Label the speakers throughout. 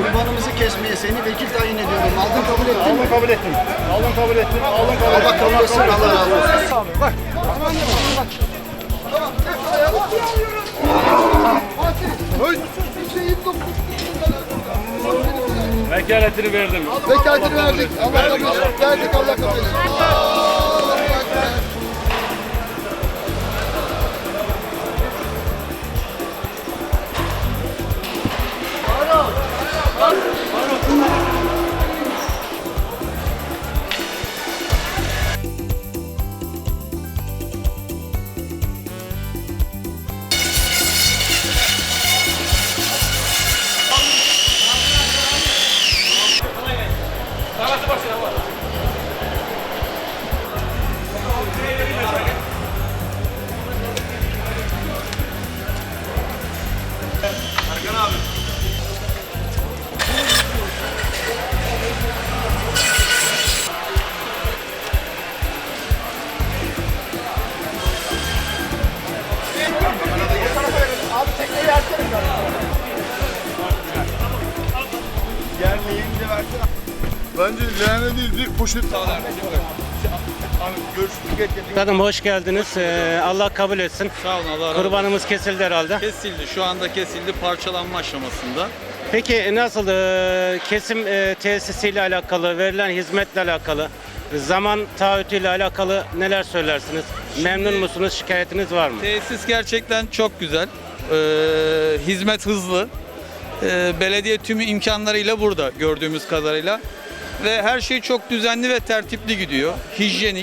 Speaker 1: kurbanımızı kesmeye seni vekil tayin ediyorum. Aldın kabul ettin mi?
Speaker 2: Alın kabul ettim. Alın kabul ettim. Alın kabul ettim.
Speaker 1: Allah kabul etsin, Allah razı olsun.
Speaker 2: Bak. Vekaletini verdim.
Speaker 1: Vekaletini verdik. Allah kabul etsin. Verdik, Allah kabul etsin.
Speaker 2: Bence leğene değil, bir poşet sağlar. Görüşürüz.
Speaker 3: Efendim hoş geldiniz. Allah kabul etsin.
Speaker 4: Sağ olun, Allah razı olsun.
Speaker 3: Kurbanımız kesildi herhalde.
Speaker 4: Kesildi. Şu anda kesildi. Parçalanma aşamasında.
Speaker 3: Peki nasıl kesim tesisiyle alakalı, verilen hizmetle alakalı, zaman taahhütüyle alakalı neler söylersiniz? Memnun musunuz? Şikayetiniz var mı?
Speaker 4: Tesis gerçekten çok güzel. Hizmet hızlı. Belediye tüm imkanlarıyla burada gördüğümüz kadarıyla. Ve her şey çok düzenli ve tertipli gidiyor. Hijyenik.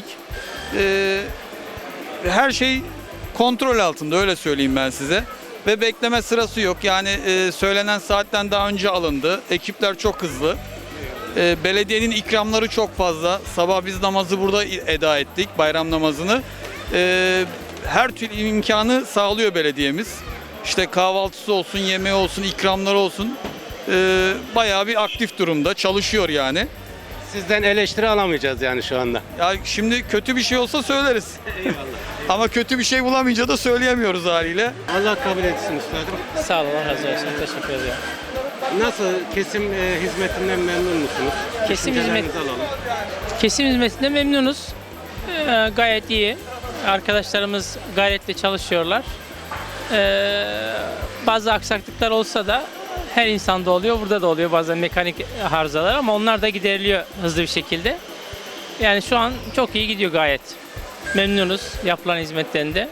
Speaker 4: Her şey kontrol altında, öyle söyleyeyim ben size. Ve bekleme sırası yok. Yani söylenen saatten daha önce alındı. Ekipler çok hızlı. Belediyenin ikramları çok fazla. Sabah biz namazı burada eda ettik, bayram namazını. Her türlü imkanı sağlıyor belediyemiz. İşte kahvaltısı olsun, yemeği olsun, ikramları olsun. Bayağı bir aktif durumda, çalışıyor yani.
Speaker 3: Sizden eleştiri alamayacağız yani şu anda.
Speaker 4: Ya şimdi kötü bir şey olsa söyleriz. Ama kötü bir şey bulamayınca da söyleyemiyoruz haliyle.
Speaker 3: Allah kabul etsin üstadım.
Speaker 5: Sağ olun, Allah razı olsun. Teşekkür ederim.
Speaker 3: Nasıl kesim hizmetinden memnun musunuz?
Speaker 5: Kesim
Speaker 3: Düşüncelerinizi alalım.
Speaker 5: Kesim hizmetinden memnunuz. Gayet iyi. Arkadaşlarımız gayretle çalışıyorlar. Bazı aksaklıklar olsa da her insanda oluyor, burada da oluyor bazen mekanik arızalar ama onlar da gideriliyor hızlı bir şekilde. Yani şu an çok iyi gidiyor gayet. Memnunuz yapılan hizmetlerinde.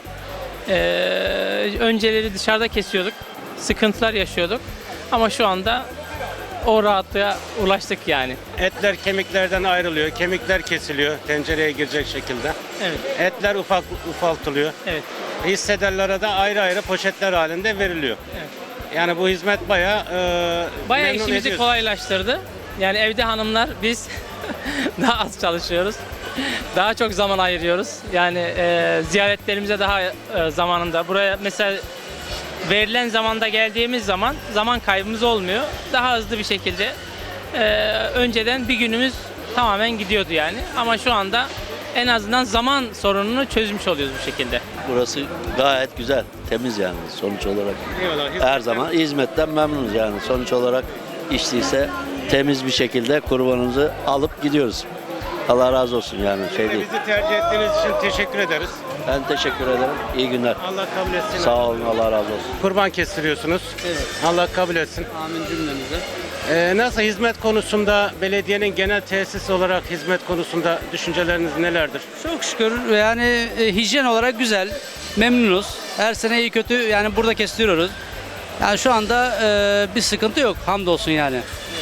Speaker 5: Önceleri dışarıda kesiyorduk, sıkıntılar yaşıyorduk ama şu anda o rahatlığa ulaştık yani.
Speaker 3: Etler kemiklerden ayrılıyor, kemikler kesiliyor tencereye girecek şekilde.
Speaker 5: Evet,
Speaker 3: Etler ufaltılıyor.
Speaker 5: evet.
Speaker 3: Hissedarlara da ayrı ayrı poşetler halinde veriliyor.
Speaker 5: Evet.
Speaker 3: Yani bu hizmet bayağı memnun
Speaker 5: İşimizi
Speaker 3: ediyor.
Speaker 5: kolaylaştırdı. Yani evde hanımlar biz daha az çalışıyoruz. Daha çok zaman ayırıyoruz. Yani ziyaretlerimize daha zamanında. Buraya mesela verilen zamanda geldiğimiz zaman zaman kaybımız olmuyor. Daha hızlı bir şekilde önceden bir günümüz tamamen gidiyordu yani. Ama şu anda en azından zaman sorununu çözmüş oluyoruz bu şekilde.
Speaker 6: Burası gayet güzel, temiz yani sonuç olarak.
Speaker 3: Eyvallah,
Speaker 6: Her zaman hizmetten memnunuz yani. Sonuç olarak içtiyse temiz bir şekilde kurbanımızı alıp gidiyoruz. Allah razı olsun yani şey değil.
Speaker 3: Bizi tercih ettiğiniz için teşekkür ederiz.
Speaker 6: Ben teşekkür ederim. İyi günler.
Speaker 3: Allah kabul etsin.
Speaker 6: Sağ olun, Allah razı olsun.
Speaker 3: Kurban kestiriyorsunuz.
Speaker 7: Evet.
Speaker 3: Allah kabul etsin.
Speaker 7: Amin cümlemize.
Speaker 3: Nasıl hizmet konusunda belediyenin genel tesis olarak hizmet konusunda düşünceleriniz nelerdir?
Speaker 7: Çok şükür yani hijyen olarak güzel. Memnunuz. Her sene iyi kötü yani burada kestiriyoruz. Yani şu anda bir sıkıntı yok hamdolsun yani.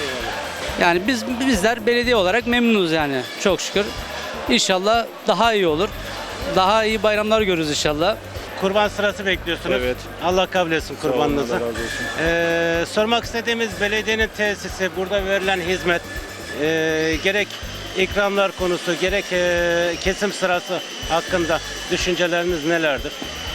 Speaker 7: Yani bizler belediye olarak memnunuz yani çok şükür. İnşallah daha iyi olur. Daha iyi bayramlar görürüz inşallah.
Speaker 3: Kurban sırası bekliyorsunuz.
Speaker 2: Evet.
Speaker 3: Allah kabul etsin kurbanınızı.
Speaker 2: Allah razı olsun.
Speaker 3: Sormak istediğimiz belediyenin tesisi, burada verilen hizmet, gerek ikramlar konusu, gerek kesim sırası hakkında düşünceleriniz nelerdir?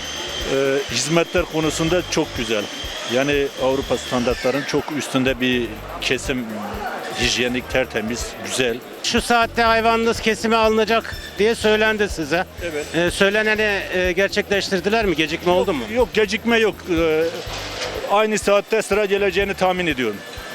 Speaker 8: Hizmetler konusunda çok güzel. Yani Avrupa standartlarının çok üstünde bir kesim, hijyenik, tertemiz, güzel.
Speaker 3: Şu saatte hayvanınız kesime alınacak diye söylendi size.
Speaker 8: Evet.
Speaker 3: Söyleneni gerçekleştirdiler mi? Gecikme oldu mu?
Speaker 8: Yok, gecikme yok. Aynı saatte sıra geleceğini tahmin ediyorum.